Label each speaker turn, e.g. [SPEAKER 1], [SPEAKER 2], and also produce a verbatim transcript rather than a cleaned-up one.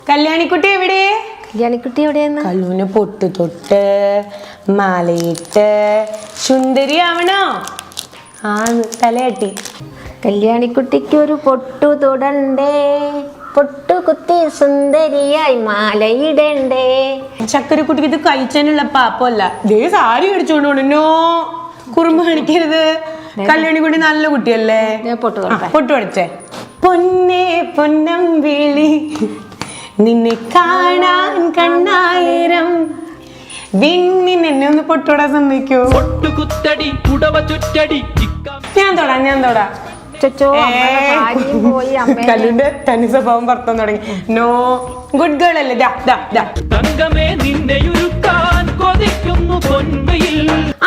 [SPEAKER 1] കല്യാണിക്കുട്ടി എവിടെ?
[SPEAKER 2] കല്യാണിക്കുട്ടി എവിടെയെന്ന്?
[SPEAKER 1] കല്ലൂന് പൊട്ട് തൊട്ട് മാലയിട്ട് സുന്ദരിയാവണോ? ആ തലയാട്ടി.
[SPEAKER 2] കല്യാണിക്കുട്ടിക്ക് ഒരു പൊട്ടു തൊടണ്ടേ, പൊട്ടു കുത്തി സുന്ദരിയായി മാലയിടണ്ടേ.
[SPEAKER 1] ചക്കരക്കുട്ടിക്ക് ഇത് കഴിച്ചാനുള്ള പാപ്പല്ല. ദേ സാരി മേടിച്ചോണ്ട് പോണോ, കുറുമ്പ് കാണിക്കരുത്. കല്യാണിക്കുട്ടി നല്ല കുട്ടിയല്ലേ.
[SPEAKER 2] പൊട്ടു
[SPEAKER 1] പൊട്ടു പഠിച്ചേ. പൊന്നേ പൊന്നം വിളി നിന്നെ കാണാൻ കണ്ണായിരം വിണ്ണിൻ എന്നെ ഒന്ന് പൊട്ടോടാൻ സമ്മതിക്കോ? ഞാൻ തൊടാ ഞാൻ തൊടാ. കല്ലുന്റെ തനി സ്വഭാവം പുറത്തു തുടങ്ങി. നോ, ഗുഡ് ഗേൾ അല്ലേ.